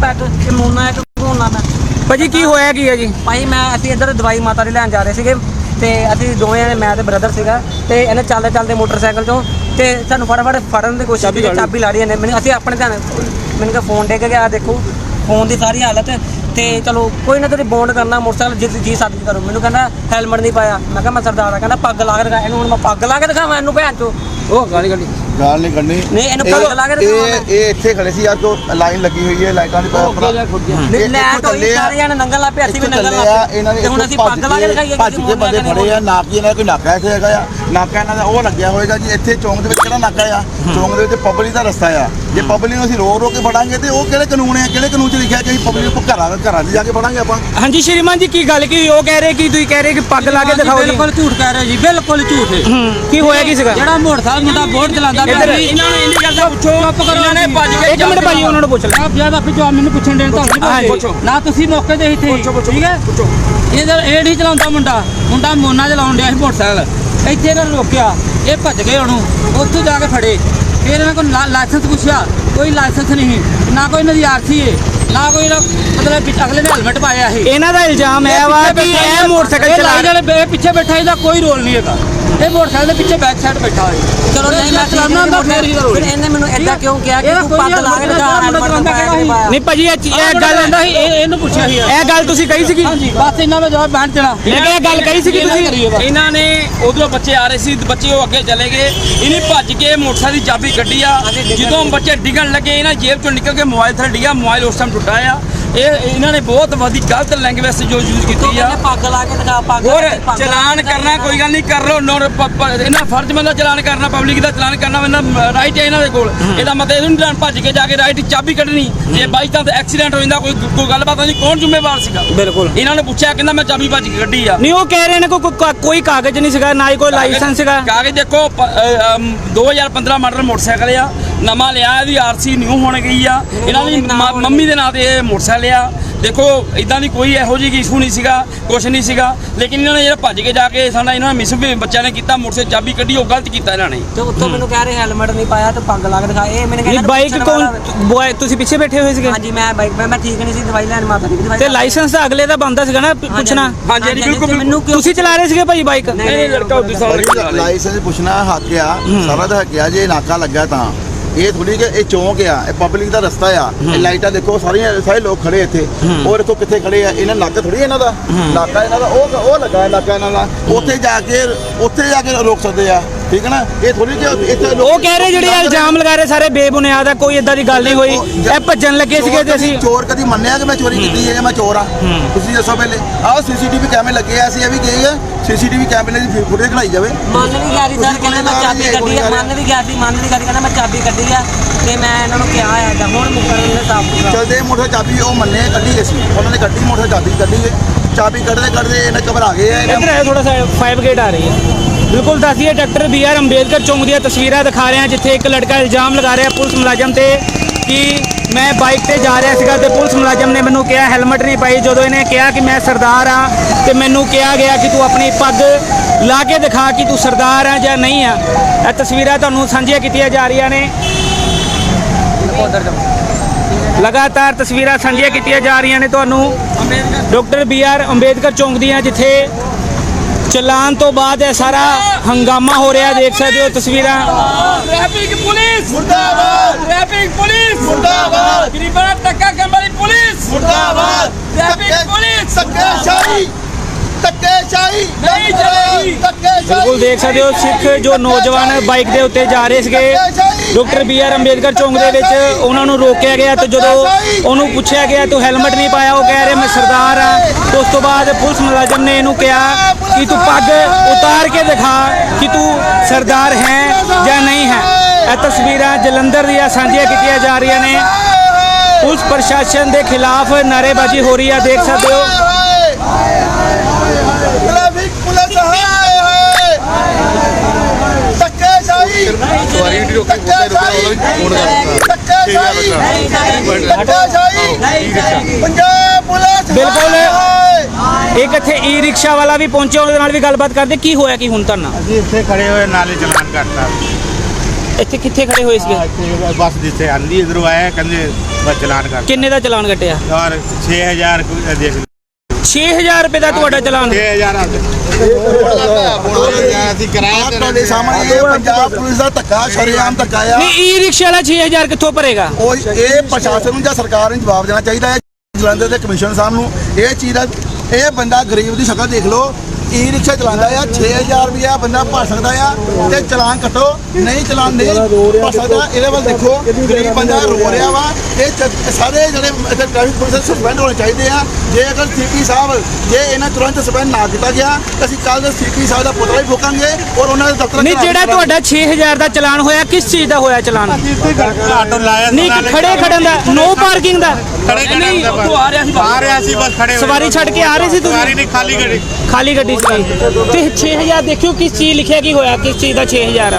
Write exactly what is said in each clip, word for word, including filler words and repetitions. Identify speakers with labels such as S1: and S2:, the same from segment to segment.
S1: Pack ਕਿ ਮੋਨਾ ਹੈ ਕਿ ਹੋਣਾ ਮੈਂ
S2: ਭਾਜੀ ਕੀ ਹੋਇਆ ਕੀ ਹੈ ਜੀ?
S1: ਭਾਈ ਮੈਂ ਅਸੀਂ ਇੱਧਰ ਦਵਾਈ ਮਾਤਾ ਦੀ ਲੈਣ ਜਾ ਰਹੇ ਸੀਗੇ ਤੇ ਅਸੀਂ ਦੋਵੇਂ ਜਣੇ ਮੈਂ ਤੇ ਬ੍ਰਦਰ ਸੀਗਾ ਤੇ ਇਹਨੇ ਚੱਲਦੇ ਚੱਲਦੇ ਮੋਟਰਸਾਈਕਲ ਚੋਂ ਤੇ ਸਾਨੂੰ ਫਟਾਫਟ ਫੜਨ ਦੀ ਕੋਸ਼ਿਸ਼ ਕੀਤੀ, ਚਾਬੀ ਲਾ ਰਹੀ ਇਹਨੇ ਮੈਨੂੰ। ਅਸੀਂ ਆਪਣੇ ਧਿਆਨ ਮੈਨੂੰ ਕਿਹਾ ਫੋਨ ਡਿੱਗ ਗਿਆ, ਦੇਖੋ ਫੋਨ ਦੀ ਸਾਰੀ ਹਾਲਤ ਤੇ ਚਲੋ ਕੋਈ ਨਾ ਤੁਸੀਂ ਬੌਂਡ ਕਰਨਾ ਮੋਟਰਸਾਈਕਲ ਜਿੱਦ ਜੀ ਸਾਦੀ ਕਰੋ। ਮੈਨੂੰ ਕਹਿੰਦਾ ਹੈਲਮਟ ਨਹੀਂ ਪਾਇਆ। ਮੈਂ ਕਿਹਾ ਮੈਂ ਸਰਦਾਰ ਆ। ਕਹਿੰਦਾ ਪੱਗ ਲਾ ਕੇ ਦਿਖਾ। ਇਹਨੂੰ ਹੁਣ ਮੈਂ ਪੱਗ ਲਾ ਕੇ ਦਿਖਾਵਾਂ ਇਹਨੂੰ ਭੈਣ ਚੋ? ਉਹ ਗਾਲੀ ਗਾਲੀ
S3: ਗਾਲ ਨਹੀਂ ਕੱਢਣੀ।
S1: ਨਹੀਂ ਇਹਨੂੰ ਪੱਗ ਲਾ ਕੇ ਦਿਖਾਵਾਂ ਮੈਂ।
S3: ਇਹ ਇੱਥੇ ਖੜੇ ਸੀ ਯਾਰ, ਕੋ ਲਾਈਨ ਲੱਗੀ ਹੋਈ ਹੈ ਲਾਈਟਾਂ ਦੀ।
S1: ਲੈਟ ਹੋਈ ਸਾਰੇ ਜਣੇ ਨੰਗਲ ਲਾ ਪਿਆ, ਅਸੀਂ ਵੀ ਨੰਗਲ ਲਾ
S3: ਇਹਨਾਂ
S1: ਤੇ ਹੁਣ ਅਸੀਂ ਪੱਗ ਲਾ ਕੇ ਦਿਖਾਈਏ?
S3: ਭੱਜ ਕੇ ਬੰਦੇ ਫੜੇ ਆ। ਨਾ ਕੀ ਇਹਨਾਂ ਕੋਈ ਨਾਕਾ ਇੱਥੇ ਹੈਗਾ ਆ, ਨਾਕਾ ਇਹਨਾਂ ਦਾ ਉਹ ਲੱਗਿਆ ਹੋਏਗਾ ਜੀ। ਇੱਥੇ ਚੌਂਕ ਦੇ ਵਿੱਚ ਕਿਹੜਾ ਨਾਕਾ ਆ? ਚੌਂਕ ਦੇ ਵਿੱਚ ਪਬਲਿਕ ਦਾ ਰਸਤਾ ਆ। ਜੇ ਪਬਲਿਕ ਨੂੰ ਅਸੀਂ ਰੋਕ ਰੋਕ ਕੇ ਫੜਾਂਗੇ ਤੇ ਉਹ ਕਿਹੜੇ ਕਾਨੂੰਨ ਹੈ? ਕਿਹੜੇ ਕਾਨੂੰਨ 'ਚ ਲਿਖਿਆ ਕਿ ਅਸੀਂ ਪਬਲਿਕ ਨੂੰ ਘਰਾਂ ਘਰਾਂ 'ਚ ਜਾ ਕੇ ਫੜਾਂਗੇ ਆਪਾਂ?
S2: ਹਾਂਜੀ ਸ਼੍ਰੀਮਾਨ ਜੀ ਕੀ ਗੱਲ ਕੀ? ਉਹ ਕਹਿ ਰਹੇ ਕਿ ਤੁਸੀਂ ਕਹਿ ਰਹੇ ਕਿ ਪੱਗ ਲਾ ਕੇ ਦਿਖਾਓ ਜੀ।
S1: ਬਿਲਕੁਲ ਝੂਠ ਕਹਿ ਰਹੇ ਜੀ, ਬਿਲਕੁਲ ਝੂਠ ਹੈ।
S2: ਕੀ ਹੋਇਆ ਕੀ ਸੀਗਾ?
S1: ਜਿਹੜਾ ਮੋਟਰਸਾਈਕਲ ਮੁੰਡਾ ਬੋਰਡ ਚਲਾਉਂਦਾ ਪਿਆ ਸੀ,
S2: ਇਹਨਾਂ ਨੂੰ ਇੰਨੀ ਗੱਲ ਦਾ ਪੁੱਛੋ।
S1: ਚੁੱਪ ਕਰੋ।
S2: ਇਹਨਾਂ ਨੇ ਭੱਜ ਕੇ ਇੱਕ ਮਿੰਟ ਭਾਜੀ ਉਹਨਾਂ ਨੂੰ ਪੁੱਛ ਲੈ।
S1: ਆਪ ਜਿਆਦਾ ਫਿਰ ਜਵਾਬ ਮੈਨੂੰ ਪੁੱਛਣ ਦੇਣ ਤੁਹਾਨੂੰ
S2: ਪੁੱਛੋ
S1: ਨਾ, ਤੁਸੀਂ ਮੌਕੇ ਤੇ ਇੱਥੇ ਠੀਕ ਹੈ। ਇਹਦਾ ਇਹ ਨਹੀਂ ਚਲਾਉਂਦਾ ਮੁੰਡਾ, ਮੁੰਡਾ ਮੋਨਾ ਚਲਾਉਣ ਡਿਆ ਸੀ ਮੋਟਰਸਾਈਕਲ। ਇੱਥੇ ਇਹਨਾਂ ਨੂੰ ਰੋਕਿਆ, ਇਹ ਭੱਜ ਗਏ ਉਹਨੂੰ, ਉੱਥੋਂ ਜਾ ਕੇ ਫੜੇ। ਫਿਰ ਇਹਨਾਂ ਕੋਲ ਲਾਇਸੈਂਸ ਪੁੱਛਿਆ, ਕੋਈ ਲਾਇਸੈਂਸ ਨਹੀਂ, ਨਾ ਕੋਈ ਇਹਨਾਂ ਦੀ ਆਰਸੀ ਹੈ, ਨਾ ਕੋਈ ਮਤਲਬ ਅਗਲੇ ਨੇ ਹੈਲਮਟ ਪਾਇਆ ਸੀ।
S2: ਇਹਨਾਂ ਦਾ ਇਲਜ਼ਾਮ ਹੈ ਵਾ ਕਿ ਇਹ ਮੋਟਰਸਾਈਕਲ ਚਲਾ
S1: ਰਹੇ ਪਿੱਛੇ ਬੈਠਾ, ਇਹਦਾ ਕੋਈ ਰੋਲ ਨਹੀਂ ਹੈਗਾ। ਇਹ ਮੋਟਰਸਾਈਕਲ ਦੇ ਪਿੱਛੇ ਬੈਕ ਸਾਈਡ ਬੈਠਾ ਹੋਇਆ। ਚਲੋ ਨਹੀਂ ਮੈਂ ਚਲਾਉਣਾ ਹੁੰਦਾ ਫਿਰ ਇਹਨੇ ਮੈਨੂੰ ਏਦਾਂ ਕਿਉਂ ਕਿਹਾ ਕਿ ਤੂੰ ਪੱਗ ਲਾ ਕੇ ਦਿਖਾ, ਹੈਲਮਟ ਪਾਇਆ?
S2: ਨਹੀਂ ਭਾਜੀ ਇਹ ਗੱਲ
S1: ਆਂਦਾ ਸੀ, ਇਹਨੂੰ ਪੁੱਛਿਆ ਸੀ
S2: ਇਹ ਗੱਲ ਤੁਸੀਂ ਕਹੀ ਸੀਗੀ?
S1: ਹਾਂਜੀ ਬਸ ਇਹਨਾਂ ਦਾ ਜਵਾਬ ਬੈਠ ਦੇਣਾ।
S2: ਮੈਂ ਕਿਹਾ ਇਹ ਗੱਲ ਕਹੀ ਸੀਗੀ ਤੁਸੀਂ?
S4: ਇਹਨਾਂ ਨੇ ਉਧਰੋਂ ਬੱਚੇ ਆ ਰਹੇ ਸੀ, ਬੱਚੇ ਉਹ ਅੱਗੇ ਚਲੇ ਗਏ। ਇਹਨੇ ਭੱਜ ਕੇ ਮੋਟਰਸਾਈਕਲ ਦੀ ਚਾਬੀ ਕੱਢੀ ਆ। ਜਦੋਂ ਬੱਚੇ ਡਿੱਗਣ ਲੱਗੇ ਇਹਨਾਂ ਜੇਬ ਚੋਂ ਨਿਕਲ ਕੇ ਮੋਬਾਈਲ ਥੱਲੇ ਡਿੱਗਾ। ਮੋਬਾਈਲ ਉਸ ਟਾਈਮ ਟੁੱਟਾ ਆ। ਇਹ ਇਹਨਾਂ ਨੇ ਬਹੁਤ ਵਧੀ ਗਲਤ ਲੈਂਗੁਏਜ ਜੋ ਯੂਜ਼ ਕੀਤੀ ਆ।
S1: ਪੱਗ ਲਾ ਕੇ ਦਿਖਾ, ਪੱਗ
S4: ਹੋਰ ਚਲਾਨ ਕਰਨਾ ਕੋਈ ਗੱਲ ਨਹੀਂ, ਕਰ ਲਓ। ਇਹਨਾਂ ਫਰਜ਼ ਬੰਦਾ ਚਲਾਨ ਕਰਨਾ, ਪਬਲਿਕ ਦਾ ਚਲਾਨ ਕਰਨਾ ਇਹਨਾਂ ਰਾਈਟ ਹੈ ਇਹਨਾਂ ਦੇ ਕੋਲ। ਇਹਦਾ ਮਤਲਬ ਇਹਨੂੰ ਨਹੀਂ ਭੱਜ ਕੇ ਜਾ ਕੇ ਰਾਈਟ ਚਾਬੀ ਕੱਢਣੀ। ਜੇ ਬਾਈ ਚਾਂਸ ਐਕਸੀਡੈਂਟ ਹੋ ਜਾਂਦਾ, ਕੋਈ ਕੋਈ ਗੱਲਬਾਤ ਨਹੀਂ, ਕੌਣ ਜ਼ਿੰਮੇਵਾਰ ਸੀਗਾ?
S2: ਬਿਲਕੁਲ
S4: ਇਹਨਾਂ ਨੇ ਪੁੱਛਿਆ, ਕਹਿੰਦਾ ਮੈਂ ਚਾਬੀ ਭੱਜ ਕੇ ਕੱਢੀ ਆ।
S2: ਨਹੀਂ ਉਹ ਕਹਿ ਰਹੇ ਨੇ ਕੋਈ ਕੋਈ ਕਾਗਜ਼ ਨਹੀਂ ਸੀਗਾ, ਨਾ ਹੀ ਕੋਈ ਲਾਇਸੈਂਸ ਸੀਗਾ।
S4: ਕਾਗਜ਼ ਦੇਖੋ ਦੋ ਹਜ਼ਾਰ ਪੰਦਰਾਂ ਮਾਡਲ ਮੋਟਰਸਾਈਕਲ ਆ, ਨਵਾਂ ਲਿਆ। ਇਹਦੀ ਆਰਸੀ ਨਿਊ ਹੋਣ ਗਈ ਆ। ਇਹਨਾਂ ਦੀ ਮੰਮੀ ਦੇ ਨਾਂ ਤੇ ਇਹ ਮੋਟਰਸਾਈਕਲ ਆ। ਦੇਖੋ ਇਦਾਂ ਦੀ ਕੋਈ ਇਹੋ ਜਿਹੀ ਇਸ਼ੂ ਨਹੀਂ ਸੀਗਾ, ਕੁਛ ਨਹੀਂ ਸੀਗਾ। ਲੇਕਿਨ ਇਹਨਾਂ ਨੇ ਜਿਹੜਾ ਭੱਜ ਕੇ ਜਾ ਕੇ ਸਾਡਾ ਇਹਨਾਂ ਨੇ ਮਿਸ ਬੱਚਿਆਂ ਨੇ ਕੀਤਾ, ਮੋਟਰਸਾਈਕਲ ਚਾਬੀ ਕੱਢੀ, ਉਹ ਗਲਤ ਕੀਤਾ ਇਹਨਾਂ ਨੇ।
S1: ਤੇ ਉੱਤੋਂ ਮੈਨੂੰ ਕਹਿ ਰਹੇ ਹੈਲਮਟ ਨਹੀਂ ਪਾਇਆ ਤੇ ਪੱਗ ਲਾ ਕੇ ਦਿਖਾ। ਇਹ ਮੈਨੂੰ ਕਹਿੰਦਾ
S2: ਬਾਈਕ ਕੌਣ? ਤੁਸੀਂ ਪਿੱਛੇ ਬੈਠੇ ਹੋਏ ਸੀਗੇ?
S1: ਹਾਂਜੀ ਮੈਂ ਬਾਈਕ ਮੈਂ ਠੀਕ ਨਹੀਂ ਸੀ, ਦਵਾਈ ਲੈਣ ਮਾਤਾ ਦੀ ਦਵਾਈ।
S2: ਤੇ ਲਾਇਸੈਂਸ ਤਾਂ ਅਗਲੇ ਦਾ ਬੰਦਾ ਸੀਗਾ ਨਾ ਪੁੱਛਣਾ।
S4: ਹਾਂਜੀ ਬਿਲਕੁਲ।
S1: ਮੈਨੂੰ
S2: ਤੁਸੀਂ ਚਲਾ ਰਹੇ ਸੀਗੇ ਭਾਈ ਬਾਈਕ?
S4: ਨਹੀਂ ਨਹੀਂ ਲੜਕਾ ਉੱਤੇ ਸਾਰਾ
S3: ਲਾਇਸੈਂਸ ਪੁੱਛਣਾ ਹੱਕ ਆ, ਸਾਰਾ ਦਾ ਹੱਕ ਆ। ਜੇ ਨਾਕਾ ਲੱਗਾ ਤਾਂ ਇਹ ਥੋੜੀ ਕਿ ਇਹ ਚੌਂਕ ਆ, ਇਹ ਪਬਲਿਕ ਦਾ ਰਸਤਾ ਆ। ਇਹ ਲਾਈਟਾਂ ਦੇਖੋ ਸਾਰੀਆਂ, ਸਾਰੇ ਲੋਕ ਖੜੇ ਇੱਥੇ। ਉਹ ਦੇਖੋ ਕਿੱਥੇ ਖੜੇ ਆ। ਇਹਨਾਂ ਨਾਕਾ ਥੋੜੀ ਇਹਨਾਂ ਦਾ, ਨਾਕਾ ਇਹਨਾਂ ਦਾ ਉਹ ਉਹ ਲੱਗਾ ਨਾਕਾ ਇਹਨਾਂ ਦਾ। ਉੱਥੇ ਜਾ ਕੇ ਉੱਥੇ ਜਾ ਕੇ ਰੋਕ ਸਕਦੇ ਆ, ਠੀਕ ਹੈ ਨਾ? ਇਹ ਥੋੜੀ ਕਿ ਇੱਥੇ
S2: ਉਹ ਕਹਿ ਰਹੇ ਜਿਹੜੇ ਇਲਜ਼ਾਮ ਲਗਾ ਰਹੇ ਸਾਰੇ ਬੇਬੁਨਿਆਦ ਆ, ਕੋਈ ਇਦਾਂ ਦੀ ਗੱਲ ਨਹੀਂ ਹੋਈ। ਇਹ ਭੱਜਣ ਲੱਗੇ ਸੀਗੇ ਤੇ ਅਸੀਂ
S3: ਚੋਰ ਕਦੀ ਮੰਨਿਆ ਕਿ ਮੈਂ ਚੋਰੀ ਕੀਤੀ ਹੈ ਜਾਂ ਮੈਂ ਚੋਰ ਆ? ਤੁਸੀਂ ਦੱਸੋ ਪਹਿਲੇ। ਆਹ ਸੀਸੀਟੀਵੀ ਕੈਮਰੇ ਲੱਗੇ ਆ, ਅਸੀਂ ਇਹ ਵੀ ਕਹੀ ਆ ਸੀਸੀਟੀਵੀ ਕੈਮਰੇ ਦੀ ਫੁਟੇਜ ਖੜਾਈ ਜਾਵੇ।
S1: ਮੰਨ ਵੀ ਗਿਆ ਸੀ ਸਰ, ਕਹਿੰਦਾ ਮੈਂ ਚਾਬੀ ਕੱਢੀ ਆ। ਮੰਨ ਵੀ ਗਿਆ ਸੀ, ਮੰਨ ਵੀ ਗਿਆ ਸੀ, ਕਹਿੰਦਾ ਮੈਂ ਚਾਬੀ ਕੱਢੀ ਆ ਤੇ ਮੈਂ ਇਹਨਾਂ ਨੂੰ ਕਿਹਾ ਆ ਹੁਣ ਮੁਕਰਨ ਦੇ ਸਾਫ
S3: ਚਲਦੇ ਮੋਟਰ ਚਾਬੀ ਉਹ ਮੰਨੇ ਕੱਢੀ ਗਈ ਸੀ, ਉਹਨਾਂ ਨੇ ਕੱਢੀ ਮੋਟਰ ਚਾਬੀ ਕੱਢੀ ਗਈ। ਚਾਬੀ ਕੱਢਦੇ ਕੱਢਦੇ ਇਹਨੇ ਘਬਰਾ ਗਏ ਆ।
S2: ਇੱਧਰ ਆਇਆ ਥੋੜਾ ਸਾ ਫਾਈਵ ਗੇਟ ਆ ਰਹੀ ਹੈ। ਬਿਲਕੁਲ ਦੱਸੀਏ ਡਾਕਟਰ ਬੀ ਆਰ ਅੰਬੇਦਕਰ ਚੌਂਕ ਦੀਆਂ ਤਸਵੀਰਾਂ ਦਿਖਾ ਰਹੇ ਹਾਂ, ਜਿੱਥੇ ਇੱਕ ਲੜਕਾ ਇਲਜ਼ਾਮ ਲਗਾ ਰਿਹਾ ਪੁਲਿਸ ਮੁਲਾਜ਼ਮ ਤੇ ਕਿ ਮੈਂ ਬਾਈਕ ਤੇ ਜਾ ਰਿਹਾ ਸੀਗਾ ਤੇ ਪੁਲਿਸ ਮੁਲਾਜ਼ਮ ਨੇ ਮੈਨੂੰ ਕਿਹਾ ਹੈਲਮਟ ਨਹੀਂ ਪਾਈ। ਜਦੋਂ ਇਹਨੇ ਕਿਹਾ ਕਿ ਮੈਂ ਸਰਦਾਰ ਆ ਤੇ ਮੈਨੂੰ ਕਿਹਾ ਗਿਆ ਕਿ ਤੂੰ ਆਪਣੀ ਪੱਗ ਲਾ ਕੇ ਦਿਖਾ ਕਿ ਤੂੰ ਸਰਦਾਰ ਆ ਜਾਂ ਨਹੀਂ ਆ। ਇਹ ਤਸਵੀਰਾਂ ਤੁਹਾਨੂੰ ਸਾਂਝੀਆਂ ਕੀਤੀਆਂ ਜਾ ਰਹੀਆਂ ਨੇ। ਲਗਾਤਾਰ ਤਸਵੀਰਾਂ ਸਾਂਝੀਆਂ ਕੀਤੀਆਂ ਜਾ ਰਹੀਆਂ ਨੇ ਤੁਹਾਨੂੰ ਡਾਕਟਰ ਬੀ ਆਰ ਅੰਬੇਦਕਰ ਚੌਂਕ ਦੀਆਂ, ਜਿੱਥੇ ਚਲਾਨ ਤੋਂ ਬਾਅਦ ਇਹ ਸਾਰਾ ਹੰਗਾਮਾ ਹੋ ਰਿਹਾ। ਦੇਖ ਸਕਦੇ ਹੋ ਤਸਵੀਰਾਂ।
S4: ਟ੍ਰੈਫਿਕ ਪੁਲਿਸ
S3: ਮੁਰਦਾਬਾਦ,
S4: ਟ੍ਰੈਫਿਕ ਪੁਲਿਸ
S3: ਮੁਰਦਾਬਾਦ,
S4: ਗਰੀਬਾਂ ਦਾ ਧੱਕਾ ਕਰਨ ਵਾਲੀ ਪੁਲਿਸ
S3: ਮੁਰਦਾਬਾਦ।
S4: ਟ੍ਰੈਫਿਕ ਪੁਲਿਸ
S3: ਧੱਕੇਸ਼ਾਹੀ ਧੱਕੇਸ਼ਾਹੀ
S4: ਨਹੀਂ ਚਲੇਗੀ।
S2: ਬਿਲਕੁਲ ਦੇਖ ਸਕਦੇ ਹੋ ਸਿੱਖ ਜੋ ਨੌਜਵਾਨ ਬਾਈਕ ਦੇ ਉੱਤੇ ਜਾ ਰਹੇ ਸੀਗੇ ਡਾਕਟਰ ਬੀ ਆਰ ਅੰਬੇਦਕਰ ਚੌਂਕ ਦੇ ਵਿੱਚ, ਉਹਨਾਂ ਨੂੰ ਰੋਕਿਆ ਗਿਆ ਤੇ ਜਦੋਂ ਉਹਨੂੰ ਪੁੱਛਿਆ ਗਿਆ ਤੂੰ ਹੈਲਮਟ ਨਹੀਂ ਪਾਇਆ, ਉਹ ਕਹਿ ਰਿਹਾ ਮੈਂ ਸਰਦਾਰ ਆ। ਉਸ ਤੋਂ ਬਾਅਦ ਪੁਲਿਸ ਮੁਲਾਜ਼ਮ ਨੇ ਇਹਨੂੰ ਕਿਹਾ ਕਿ ਤੂੰ ਪੱਗ ਉਤਾਰ ਕੇ ਦਿਖਾ ਕਿ ਤੂੰ ਸਰਦਾਰ ਹੈ ਜਾਂ ਨਹੀਂ ਹੈ। ਇਹ ਤਸਵੀਰਾਂ ਜਲੰਧਰ ਦੀਆਂ ਸਾਂਝੀਆਂ ਕੀਤੀਆਂ ਜਾ ਰਹੀਆਂ ਨੇ। ਪੁਲਿਸ ਪ੍ਰਸ਼ਾਸਨ ਦੇ ਖਿਲਾਫ ਨਾਅਰੇਬਾਜ਼ੀ ਹੋ ਰਹੀ ਹੈ, ਦੇਖ ਸਕਦੇ ਹੋ।
S3: ਟ੍ਰੈਫਿਕ ਪੁਲਿਸ ਹਾਏ ਹਾਏ ਧੱਕੇਸ਼ਾਹੀ
S5: ਸਵਾਰੀ ਦੀ ਰੋਕੀ
S3: ਧੱਕੇਸ਼ਾਹੀ ਧੱਕੇਸ਼ਾਹੀ ਧੱਕੇਸ਼ਾਹੀ ਪੰਜਾਬ ਪੁਲਿਸ।
S2: ਬਿਲਕੁਲ ਇੱਕ ਇੱਥੇ ਈ ਰਿਕਸ਼ਾ ਵਾਲਾ ਵੀ ਪਹੁੰਚਿਆ, ਉਹਦੇ ਨਾਲ ਵੀ ਗੱਲਬਾਤ ਕਰਦੇ। ਕੀ ਹੋਇਆ ਕੀ ਹੁਣ ਤੁਹਾਨੂੰ?
S5: ਅਸੀਂ ਇੱਥੇ ਖੜੇ ਹੋਏ ਨਾਲੇ ਚਲਾਨ ਕਰਤਾ।
S2: ਇੱਥੇ ਕਿੱਥੇ ਖੜੇ ਹੋਏ ਸੀਗੇ?
S5: ਇੱਥੇ ਬੱਸ ਜਿੱਥੇ ਆਂਦੀ ਇਧਰੋਂ ਆਇਆ ਕਹਿੰਦੇ ਬਸ ਚਲਾਨ ਕਰ
S2: ਕਿੰਨੇ ਦਾ ਚਲਾਨ ਕੱਟਿਆ?
S5: ਔਰ ਛੇ ਹਜ਼ਾਰ ਕੁ ਦੇਖ ਲਓ
S2: ਛੇ ਹਜ਼ਾਰ ਰੁਪਏ ਦਾ ਤੁਹਾਡਾ ਚਲਾਨ?
S5: ਛੇ ਹਜ਼ਾਰ ਆ ਅਸੀਂ ਕਿਰਾਇਆ ਤੇ
S3: ਤੁਹਾਡੇ ਸਾਹਮਣੇ ਇਹ ਪੰਜਾਬ ਪੁਲਿਸ ਦਾ ਧੱਕਾ ਸ਼ਰੇਆਮ ਧੱਕਾ ਆ।
S2: ਨਹੀਂ ਈ ਰਿਕਸ਼ਾ ਵਾਲਾ ਛੇ ਹਜ਼ਾਰ ਕਿੱਥੋਂ ਭਰੇਗਾ?
S3: ਉਹ ਇਹ ਪ੍ਰਸ਼ਾਸਨ ਨੂੰ ਜਾਂ ਸਰਕਾਰ ਨੂੰ ਜਵਾਬ ਦੇਣਾ ਚਾਹੀਦਾ ਹੈ, ਜਲੰਧਰ ਦੇ ਕਮਿਸ਼ਨਰ ਸਾਹਿਬ ਨੂੰ। ਇਹ ਚੀਜ਼ ਦਾ ਇਹ ਬੰਦਾ ਗਰੀਬ ਦੀ ਸ਼ਕਲ ਦੇਖ ਲਓ, ਈ ਰਿਕਸ਼ਾ ਚਲਾਉਂਦਾ ਆ, ਛੇ ਹਜ਼ਾਰ ਰੁਪਇਆ ਬੰਦਾ ਭਰ ਸਕਦਾ ਆ ਤੇ ਚਲਾਨ ਕੱਟੋ, ਨਹੀਂ ਚਲਾਨ ਨਹੀਂ ਭਰ ਸਕਦਾ। ਇਹਦੇ ਵੱਲ ਦੇਖੋ, ਗਰੀਬ ਬੰਦਾ ਰੋ ਰਿਹਾ ਵਾ। ਇਹ ਚ- ਸਾਰੇ ਜਿਹੜੇ ਇੱਥੇ ਟ੍ਰੈਫਿਕ ਪੁਲਿਸ ਸਸਪੈਂਡ ਹੋਣੇ ਚਾਹੀਦੇ ਆ। ਜੇ ਅਗਰ ਸੀਪੀ ਸਾਹਿਬ ਜੇ ਇਹਨਾਂ ਤੁਰੰਤ ਸਸਪੈਂਡ ਨਾ ਕੀਤਾ ਗਿਆ ਤਾਂ ਅਸੀਂ ਕੱਲ੍ਹ ਸੀਪੀ ਸਾਹਿਬ ਦਾ ਪੁਤਲਾ ਵੀ ਫੂਕਾਂਗੇ ਔਰ ਉਹਨਾਂ ਦੇ ਦਫ਼ਤਰ
S2: ਨਹੀਂ ਜਿਹੜਾ ਤੁਹਾਡਾ ਛੇ ਹਜ਼ਾਰ ਦਾ ਚਲਾਨ ਹੋਇਆ ਕਿਸ ਚੀਜ਼ ਦਾ ਹੋਇਆ ਚਲਾਨ?
S5: ਆਟੋ ਲਾਇਆ
S2: ਨਹੀਂ ਖੜੇ ਖੜਨ ਦਾ, ਨੋ ਪਾਰਕਿੰਗ ਦਾ?
S5: ਖੜੇ
S4: ਨਹੀਂ ਉੱਥੋਂ ਆ ਰਿਹਾ ਸੀ
S5: ਆ ਰਿਹਾ ਸੀ ਬਸ ਖੜੇ ਹੋਏ।
S2: ਸਵਾਰੀ ਛੱਡ ਕੇ ਆ ਰਹੇ ਸੀ
S5: ਸਵਾਰੀ
S2: ਤੁਸੀਂ?
S5: ਨਹੀਂ ਖਾਲੀ ਗੱਡੀ
S2: ਖਾਲੀ ਗੱਡੀ ਸੀ ਤੇ ਛੇ ਹਜ਼ਾਰ ਦੇਖਿਓ ਕਿਸ ਚੀਜ਼ ਲਿਖਿਆ ਕੀ ਹੋਇਆ, ਕਿਸ ਚੀਜ਼ ਦਾ ਛੇ ਹਜ਼ਾਰ ਆ?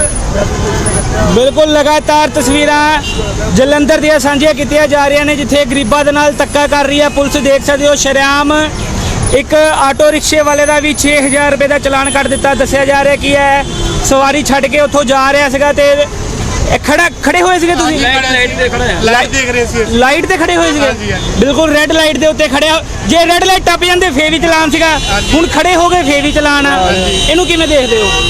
S2: ਬਿਲਕੁਲ ਲਗਾਤਾਰ ਤਸਵੀਰਾਂ ਜਲੰਧਰ ਦੀਆਂ ਸਾਂਝੀਆਂ ਕੀਤੀਆਂ ਜਾ ਰਹੀਆਂ ਨੇ ਜਿੱਥੇ ਗਰੀਬਾਂ ਦੇ ਨਾਲ ਧੱਕਾ ਕਰ ਰਹੀ ਹੈ ਪੁਲਿਸ। ਦੇਖ ਸਕਦੇ ਹੋ ਸ਼ਰੇਆਮ ਇੱਕ ਆਟੋ ਰਿਕਸ਼ੇ ਵਾਲੇ ਦਾ ਵੀ ਛੇ ਹਜ਼ਾਰ ਰੁਪਏ ਦਾ ਚਲਾਨ ਕੱਟ ਦਿੱਤਾ। ਦੱਸਿਆ ਜਾ ਰਿਹਾ ਕੀ ਹੈ ਸਵਾਰੀ ਛੱਡ ਕੇ ਉੱਥੋਂ ਜਾ ਰਿਹਾ ਸੀਗਾ ਤੇ ਇਹ ਖੜਾ ਖੜੇ ਹੋਏ ਸੀਗੇ ਤੁਸੀਂ?
S4: ਲਾਈਟ ਤੇ ਖੜਾ ਆ।
S5: ਲਾਈਟ ਦੇਖ ਰਹੇ ਸੀ
S2: ਲਾਈਟ ਤੇ ਖੜੇ ਹੋਏ ਸੀਗੇ?
S5: ਹਾਂਜੀ, ਹਾਂਜੀ।
S2: ਬਿਲਕੁਲ ਰੈੱਡ ਲਾਈਟ ਦੇ ਉੱਤੇ ਖੜਿਆ। ਜੇ ਰੈੱਡ ਲਾਈਟ ਟੱਪ ਜਾਂਦੇ ਫੇਰ ਵੀ ਚਲਾਨ ਸੀਗਾ, ਹੁਣ ਖੜੇ ਹੋ ਗਏ ਫੇਰ ਵੀ ਚਲਾਨ ਆ। ਇਹਨੂੰ ਕਿਵੇਂ ਦੇਖਦੇ ਹੋ?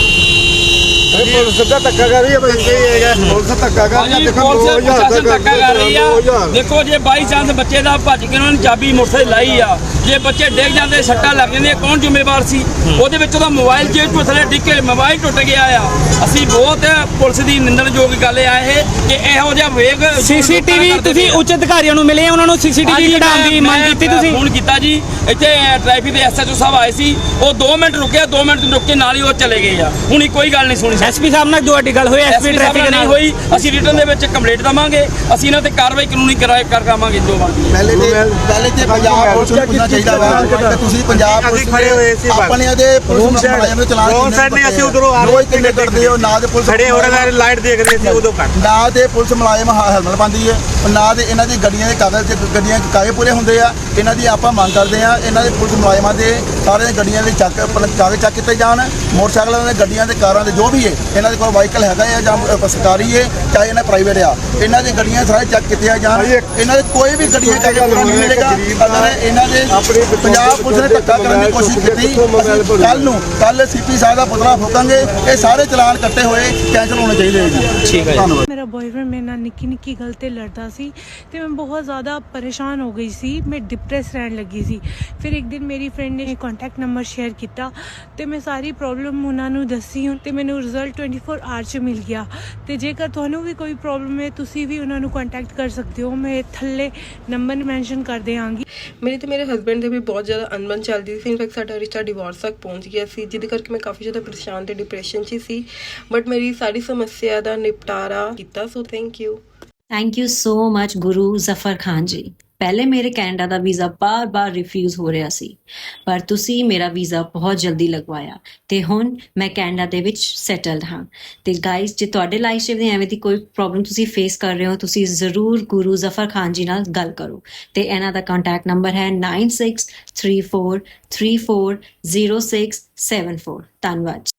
S5: ਪੁਲਿਸ ਦਾ ਧੱਕਾ ਕਰ ਰਹੀ ਹੈ ਭਾਈ ਪੁਲਿਸ ਧੱਕਾ ਕਰ ਰਹੀ ਹੈ।
S4: ਹਾਂਜੀ ਪੁਲਿਸ ਪ੍ਰਸ਼ਾਸਨ ਧੱਕਾ ਕਰ ਰਹੀ ਆ। ਦੇਖੋ ਜੇ ਬਾਈ ਚਾਂਸ ਬੱਚੇ ਦਾ ਭੱਜ ਕੇ ਉਹਨਾਂ ਨੇ ਚਾਬੀ ਮੋਟਰਸਾਈਕਲ ਲਾਈ ਆ, ਜੇ ਬੱਚੇ ਡਿੱਗ ਜਾਂਦੇ ਸੱਟਾਂ ਲੱਗ ਜਾਂਦੀਆਂ ਕੌਣ ਜ਼ਿੰਮੇਵਾਰ ਸੀ? ਉਹਦੇ ਵਿੱਚ ਉਹਦਾ ਮੋਬਾਈਲ ਜੇਬ ਤੋਂ ਥੱਲੇ ਡਿੱਗ ਕੇ ਮੋਬਾਈਲ ਟੁੱਟ ਗਿਆ ਆ। ਅਸੀਂ ਬਹੁਤ ਪੁਲਿਸ ਦੀ ਨਿੰਦਣਯੋਗ ਗੱਲ ਆ ਇਹ ਕਿ ਇਹੋ ਜਿਹਾ ਵੇਗ
S2: ਸੀਸੀਟੀਵੀ ਤੁਸੀਂ ਉੱਚ ਅਧਿਕਾਰੀਆਂ ਨੂੰ ਮਿਲੇ, ਉਹਨਾਂ ਨੂੰ ਸੀਸੀਟੀਵੀ ਕਢਾਉਣ ਦੀ ਮੰਗ ਕੀਤੀ ਤੁਸੀਂ?
S4: ਫੋਨ ਕੀਤਾ ਜੀ, ਇੱਥੇ ਟ੍ਰੈਫਿਕ ਦੇ ਐਸਐਚਓ ਸਾਹਿਬ ਆਏ ਸੀ, ਉਹ ਦੋ ਮਿੰਟ ਰੁਕਿਆ, ਦੋ ਮਿੰਟ ਰੁਕ ਕੇ ਨਾਲ ਹੀ ਉਹ ਚਲੇ ਗਏ ਆ। ਹੁਣ ਕੋਈ ਗੱਲ ਨਹੀਂ ਸੁਣੀ।
S2: ਐਸਪੀ ਸਾਹਿਬ ਨਾਲ ਤੁਹਾਡੀ ਗੱਲ ਹੋਈ? ਐਸਪੀ ਟ੍ਰੈਫਿਕ
S4: ਨਹੀਂ
S2: ਨਾਲ
S4: ਹੋਈ। ਅਸੀਂ ਰਿਟਰਨ ਦੇ ਵਿੱਚ ਕੰਪਲੇਂਟ ਦਵਾਂਗੇ, ਅਸੀਂ ਇਹਨਾਂ ਤੇ ਕਾਰਵਾਈ ਕਾਨੂੰਨੀ ਕਰਾਏ ਕਰਾਵਾਂਗੇ ਜੋ ਬਣਦੀ।
S3: ਪਹਿਲੇ ਤੇ ਪਹਿਲੇ ਤੇ ਪੰਜਾਬ ਪੁਲਿਸ ਨੂੰ ਪੁੱਛਣਾ ਚਾਹੀਦਾ ਵਾ ਕਿ ਤੁਸੀਂ ਪੰਜਾਬ
S5: ਅਸੀਂ
S3: ਪੁਲਿਸ
S5: ਖੜੇ ਹੋਏ ਸੀ ਬਾਹਰ।
S3: ਆਪਣੇ ਦੇ ਪੁਲਿਸ ਮੁਲਾਜ਼ਮ ਦੇ ਚਲਾਨ
S5: ਰੋਂਗ ਸਾਈਡ ਨੇ ਅਸੀਂ ਉਧਰੋਂ ਆ
S3: ਰੋਜ਼ ਕਿੰਨੇ ਕੱਢਦੇ ਹੋ ਨਾ ਦੇ ਪੁਲਿਸ
S5: ਖੜੇ ਹੋ ਰਹੇ ਲਾਈਟ ਦੇਖ ਰਹੇ ਸੀ ਉਦੋਂ ਕੱਟ
S3: ਨਾ ਦੇ ਪੁਲਿਸ ਮੁਲਾਜ਼ਮ ਹੈਲਮਟ ਪਾਉਂਦੀ ਹੈ, ਨਾ ਦੇ ਇਹਨਾਂ ਦੀ ਗੱਡੀਆਂ ਦੇ ਕਾਗਜ਼ ਤੇ ਗੱਡੀਆਂ ਦੇ ਕਾਗਜ਼ ਪੂਰੇ ਹੁੰਦੇ ਆ। ਇਹਨਾਂ ਦੀ ਆਪਾਂ ਮੰਗ ਕਰਦੇ ਆ ਇਹਨਾਂ ਦੇ ਪੁਲਿਸ ਮੁਲਾਜ਼ਮਾਂ ਦੇ ਸਾਰੇ ਗੱਡੀਆਂ ਦੇ ਚੱਕ ਕਾਗਜ਼ ਚੱਕ ਕੀਤੇ ਜਾਣ। ਮੋਟਰਸਾਈਕਲਾਂ ਦੇ ਗੱਡੀਆਂ ਦੇ ਕਾਰਾਂ ਦੇ ਜੋ ਵੀ ਹੈ ਇਹਨਾਂ ਦੇ ਕੋਲ ਵਾਹੀਕਲ ਹੈਗਾ ਹੈ ਜਾਂ ਸਰਕਾਰੀ ਹੈ ਚਾਹੇ ਇਹਨਾਂ ਪ੍ਰਾਈਵੇਟ ਆ, ਇਹਨਾਂ ਦੀ ਗੱਡੀਆਂ ਸਾਰੇ ਚੈੱਕ ਕੀਤੀਆਂ ਜਾਣ। ਇਹਨਾਂ ਦੇ ਕੋਈ ਵੀ ਗੱਡੀਆਂ ਕਾਗਜ਼ ਪੂਰਾ ਨਹੀਂ ਮਿਲੇਗਾ। ਅਗਰ ਇਹਨਾਂ ਦੇ ਪੰਜਾਬ ਪੁਲਿਸ ਨੇ ਧੱਕਾ ਕਰਨ ਦੀ ਕੋਸ਼ਿਸ਼ ਕੀਤੀ, ਕੱਲ ਨੂੰ ਕੱਲ ਸੀਪੀ ਸਾਹਿਬ ਦਾ ਪੁਤਲਾ ਫੂਕਾਂਗੇ। ਇਹ ਸਾਰੇ ਚਲਾਨ ਕੱਟੇ ਹੋਏ ਕੈਂਸਲ ਹੋਣੇ ਚਾਹੀਦੇ ਹੈ ਜੀ।
S2: ਠੀਕ ਹੈ।
S3: ਧੰਨਵਾਦ।
S6: ਮੇਰਾ ਬॉयਫ੍ਰੈਂਡ ਮੇਰੇ ਨਾਲ ਨਿੱਕੀ ਨਿੱਕੀ ਗੱਲ ਤੇ ਲੜਦਾ ਸੀ ਤੇ ਮੈਂ ਬਹੁਤ ਜ਼ਿਆਦਾ ਪਰੇਸ਼ਾਨ ਹੋ ਗਈ ਸੀ, ਮੈਂ ਡਿਪਰੈਸ ਰਹਿਣ ਲੱਗੀ ਸੀ। ਫਿਰ ਇੱਕ ਦਿਨ ਮੇਰੀ ਫਰੈਂਡ ਨੇ ਕੰਟੈਕਟ ਨੰਬਰ ਸ਼ੇਅਰ ਕੀਤਾ ਤੇ ਮੈਂ ਸਾਰੀ ਪ੍ਰੋਬਲਮ ਉਹਨਾਂ ਨੂੰ ਦੱਸੀ ਤੇ ਮੈਨੂੰ ਰਿਜ਼ਲਟ ਟਵੈਂਟੀ ਫੋਰ ਆਰ 'ਚ ਮਿਲ ਗਿਆ। ਤੇ ਜੇਕਰ ਤੁਹਾਨੂੰ ਵੀ ਕੋਈ ਪ੍ਰੋਬਲਮ ਹੈ ਤੁਸੀਂ ਵੀ ਉਹਨਾਂ ਨੂੰ ਕੰਟੈਕਟ ਕਰ ਸਕਦੇ ਹੋ। ਮੈਂ ਥੱਲੇ ਨੰਬਰ ਮੈਂਸ਼ਨ ਕਰ ਦਿਆਂਗੀ।
S7: ਮੇਰੀ ਤੇ ਮੇਰੇ ਹਸਬੈਂਡ ਦੇ ਵੀ ਬਹੁਤ ਜ਼ਿਆਦਾ ਅਣਬਣ ਚੱਲਦੀ ਸੀ। ਇਨਫੈਕਟ ਸਾਡਾ ਰਿਸ਼ਤਾ ਡਿਵੋਰਸ ਤੱਕ ਪਹੁੰਚ ਗਿਆ ਸੀ, ਜਿਹਦੇ ਕਰਕੇ ਮੈਂ ਕਾਫੀ ਜ਼ਿਆਦਾ ਪਰੇਸ਼ਾਨ ਤੇ ਡਿਪਰੈਸ਼ਨ 'ਚ ਸੀ। ਬਟ ਮੇਰੀ ਸਾਰੀ ਸਮੱਸਿਆ ਦਾ ਨਿਪਟਾਰਾ ਕੀਤਾ, so thank you.
S8: Thank you so much Guru Zafar Khan ji. ਪਹਿਲੇ ਮੇਰੇ ਕੈਨੇਡਾ ਦਾ ਵੀਜ਼ਾ ਬਾਰ-ਬਾਰ ਰਿਫਿਊਜ਼ ਹੋ ਰਿਹਾ ਸੀ, ਪਰ ਤੁਸੀਂ ਮੇਰਾ ਵੀਜ਼ਾ ਬਹੁਤ ਜਲਦੀ ਲਗਵਾਇਆ ਤੇ ਹੁਣ ਮੈਂ ਕੈਨੇਡਾ ਦੇ ਵਿੱਚ ਸੈਟਲਡ ਹਾਂ। ਤੇ ਗਾਇਸ, ਜੇ ਤੁਹਾਡੇ ਲਾਈਫ 'ਚ ਵੀ ਐਵੇਂ ਦੀ ਕੋਈ ਪ੍ਰੋਬਲਮ ਤੁਸੀਂ ਫੇਸ ਕਰ ਰਹੇ ਹੋ, ਤੁਸੀਂ ਜ਼ਰੂਰ ਗੁਰੂ ਜ਼ਫਰ ਖਾਨ ਜੀ ਨਾਲ ਗੱਲ ਕਰੋ। ਤੇ ਇਹਨਾਂ ਦਾ ਕੰਟੈਕਟ ਨੰਬਰ ਹੈ nine six three four three four zero six seven four. ਧੰਨਵਾਦ।